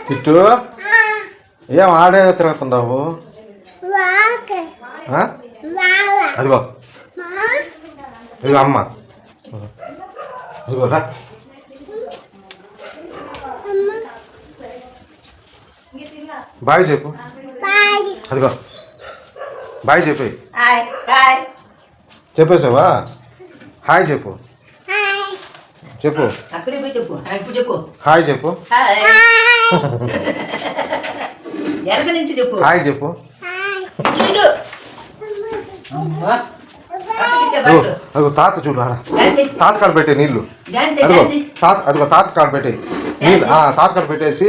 Kit ఏం ఆడే తిరుగుతుండవు? అదిగో ఇదిగో అమ్మ, ఇదిగో రా. బాయ్ చెప్పు. అదిగో బాయ్ చెప్పి చెప్పేసావా? హాయ్ చెప్పు. చెప్పు హాయ్ చెప్పు. హాయ్ చెప్పు. అదిగో తాత చూడు, తాత కాడ పెట్టే నీళ్ళు. అదిగో తాత, అదిగో తాత కాడ పెట్టే నీళ్ళు. తాత కాడ పెట్టేసి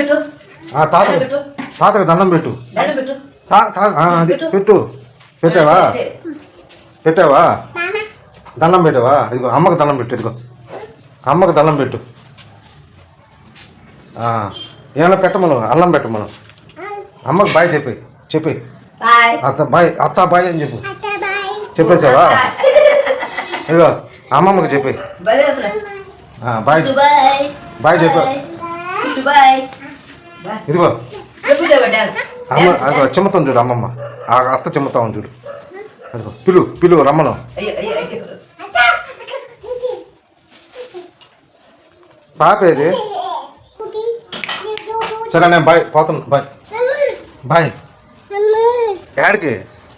తాతకు దండం పెట్టు. అది పెట్టు. పెట్టావా? పెట్టావా? దండం పెట్టావా? ఇదిగో అమ్మకు దండం పెట్టు. ఇదిగో అమ్మకు దండం పెట్టు. ఏమన్నా పెట్టమను, అల్లం పెట్టమను. అమ్మకు బాయ్ చెప్పి అత్త బాయ్, అత్త బాయ్ అని చెప్పు. చెప్పేసావా? ఇదిగో అమ్మమ్మకి చెప్పి బాయ్ బాయ్ చెప్పు. ఇదిగో అమ్మ, అదిగో చెమ్ముతాం చూడు అమ్మమ్మ. అత్త చెమ్ముతాం చూడు. అదిగో పిలు రమ్మను. పాప ఏది? సరే నేను బాయ్ పోతాను. బాయ్ ఎక్కడికి?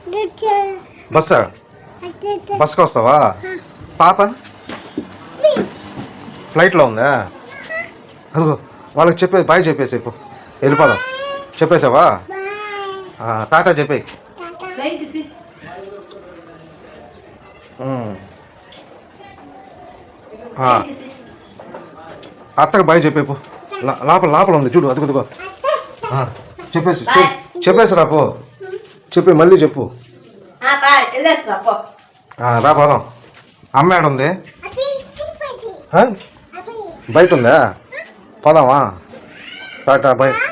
బస్కి వస్తావా? పాప ఫ్లైట్లో ఉందా? అదిగో వాళ్ళకి చెప్పే బాయ్ చెప్పేసి వెళ్ళిపోదాం. చెప్పేసావా? టాటా చెప్పే. అత్తకు బాయ్ చెప్పేపు. లోపల ఉంది చూడు. అదిగో చెప్పేసి రాపో. చెప్పి మళ్ళీ చెప్పు. రా పోదాం. అమ్మ ఏడ ఉంది? బయట ఉందా? పోదామా? Tata bye.